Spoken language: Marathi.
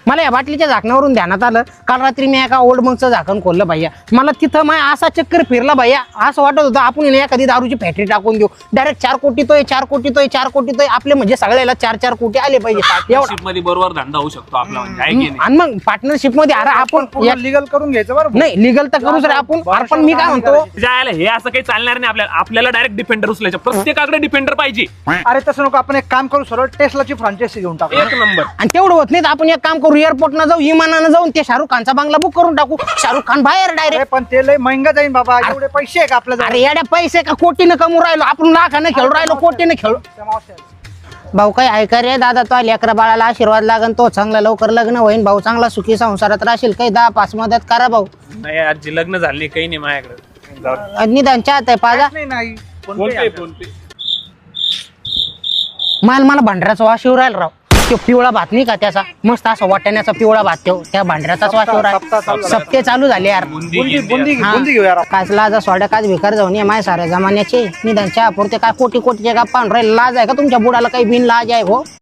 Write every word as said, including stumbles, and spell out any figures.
मला या बाटलीच्या झाकणावरून ध्यानात आलं, काल रात्री मी एका ओल्ड मंगचं झाकण खोललं भैया. मला तिथं माय असा चक्कर फिरला भैया, असं वाटत होतं आपण एखादी दारूची फॅक्टरी टाकून देऊ. डायरेक्ट चार कोटी तोय चार कोटी तोय चार कोटी तोय आपले म्हणजे सगळ्याला चार चार कोटी आले पाहिजे. पार्टनरशिप मध्ये बरोबर धंदा होऊ शकतो आपला म्हणजे आहे की नाही? आणि मग पार्टनरशिप मध्ये अरे आपण लिगल करून घ्यायचं बरं. नाही लिगल तर करूच रे आपण. पण मी काय म्हणतो, जायला हे असं काही चालणार नाही आपल्याला. आपल्याला डायरेक्ट डिफेंडर उचलायचं, प्रत्येकाकडे डिफेंडर पाहिजे. अरे तसं नको, आपण एक काम करू, सरळ टेस्लाची फ्रँचायसी घेऊन टाकू. एक नंबर. आणि तेवढं होत नाही तर आपण एक काम करू, एअरपोर्टला जाऊ, विमानानं जाऊन ते शाहरुख खानचा बंगला बुक करून टाकू. शाहरुख खान बाहेर डायरेक्ट. अरे पण ते लय महंगा जाईन बाबा, एवढे पैसे आहे का आपल्याला? अरे येड्या पैसे का कोटीनं कमवू राहिलो आपण, लाखानं खेळू राहिलो, कोटीनं खेळू. भाऊ काय ऐका रे दादा, तो लेकरा बाळाला आशीर्वाद लागन, तो चांगला लवकर लग्न होईन भाऊ, चांगला सुखी संसारात राहशील. काही दहा पाच मदत करा भाऊ. नाही आजी लग्न झाले काही नाही माझ्याकडे. निदान चाहत आहे पाजा. नाही नाही फोन पे फोन पे. माल मला भांडऱ्याचा वास येऊ राहिला राव. तो पिवळा भात नाही का त्याचा, मस्त असा वाटण्याचा पिवळा भात, तो त्या भांडऱ्याचाच वास येऊ राहिला. सप्ते चालू झाले यार. बुंदी बुंदी गिंदी बुंदी हा. बुंदी घेऊ यार. काच लाजा सोड्या काच भिकार जाऊन ये माय साऱ्या जमान्याचे. निदान चहा पुरते काय कोटी कोटीचे गप्पा राहील. लाज आहे का तुमच्या बुडाला? काही बिन लाज आहे हो.